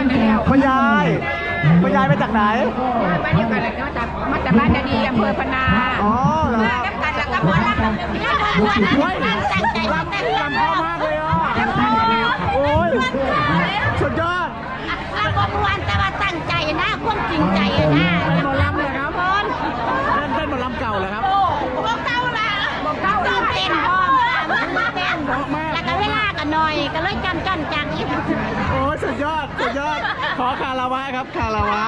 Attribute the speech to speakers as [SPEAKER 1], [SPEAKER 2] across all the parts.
[SPEAKER 1] คุณยายคุณยายมาจากไหน
[SPEAKER 2] มาเดียวกันเลยมาจากบ้านดีอำเภอพนา
[SPEAKER 1] อ๋อเหรอ
[SPEAKER 2] กันแล้วก็หมอลำตั้งใจ
[SPEAKER 1] ลำพ่อมากเลยอ่ะโอ้ยสุดยอด
[SPEAKER 2] ลำบวันแต่ว่าตั้งใจนะความจริงใจนะ
[SPEAKER 1] เป็นหมอลำเลยครับเป็นหมอลำเก่าเลยครับ
[SPEAKER 2] เก่าละเก่าเต้นพร้อมเต้นแล้วก็เวลากันหน่อยก็เลยจันจัง
[SPEAKER 1] โอ้สุดยอดสุดยอดขอคาราวะครับคาราวะ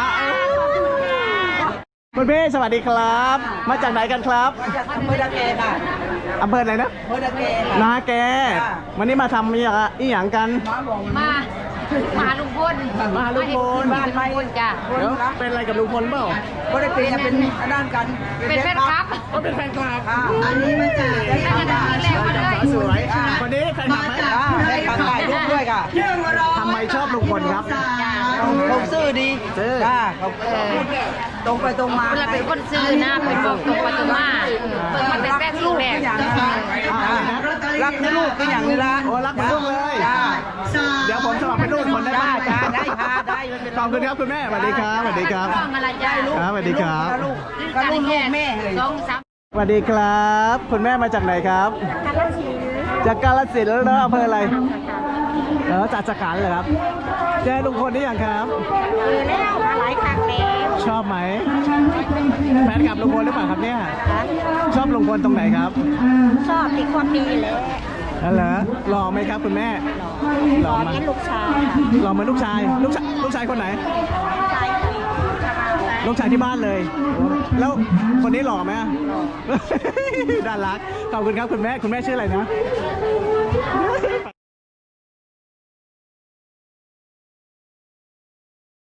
[SPEAKER 1] คุณพี่สวัสดีครับมาจากไหนกันครับ
[SPEAKER 3] จากอำเภอนาแกค่ะ
[SPEAKER 1] อำเภอไหนนะ
[SPEAKER 3] อำเภอนาแก
[SPEAKER 1] นาแกวันนี้มาทำอีหยังกัน
[SPEAKER 2] มาลุงพล
[SPEAKER 1] มาลุงพล
[SPEAKER 2] บ้านลุงพลจ้ะ
[SPEAKER 1] เดี๋ยวเป็นอะไรกับลุงพลเปล่า
[SPEAKER 3] ก็ได้เป็นด้านกัน
[SPEAKER 2] เป็นแฟนคลับ
[SPEAKER 1] ก็เป็นแฟนคลับ
[SPEAKER 3] อันนี้มันจะ
[SPEAKER 1] สวยวันนี้แฟนคลับไหม
[SPEAKER 3] ได้ขับถ่ายรูปด้วยค่ะ
[SPEAKER 1] ทำไมชอบลุงพลครับ
[SPEAKER 3] เขาซื่อดีเขาตรงไปตรงมา
[SPEAKER 2] เวลาเป็นคนซื่อนะเป็นบอกตรงไปตรงมาเปิดมาแต่แรกลูกแรก
[SPEAKER 3] รักลูกก็อย่างนี้ละ
[SPEAKER 1] โอ้รักเหมือนลูกเลยเดี๋ยวผมสมัครเป็นลูกคนได้ไหม
[SPEAKER 3] ได้ค่ะได้
[SPEAKER 1] ขอบคุณครับคุณแม่สวัสดีครับสวัสดีครับสวัสดีครับ
[SPEAKER 3] ก็ลูกแม่
[SPEAKER 1] สวัสดีครับคุณแม่มาจากไหนครับจากกาฬสินธุ์แล้วอำเภออะไรจากสขันเหรอครับเจอลุงพลนี่ยังครับ
[SPEAKER 2] แล้วมาหลายครั้งแล้ว
[SPEAKER 1] ชอบไหมแฟนคลับลุงพลหรือเปล่าครับเนี่ยชอบลุงพลตรงไหนครับ
[SPEAKER 2] ชอบที่ความดีเลย
[SPEAKER 1] นั่นเหรอหล่อไหมครับคุณแม่
[SPEAKER 2] หล่อมาลูกชาย
[SPEAKER 1] หล่อเหมือนลูกชายคนไหนลูกชายที่บ้านเลยแล้วคนนี้หล่อไหมน่ารักขอบคุณครับคุณแม่ชื่ออะไรนะ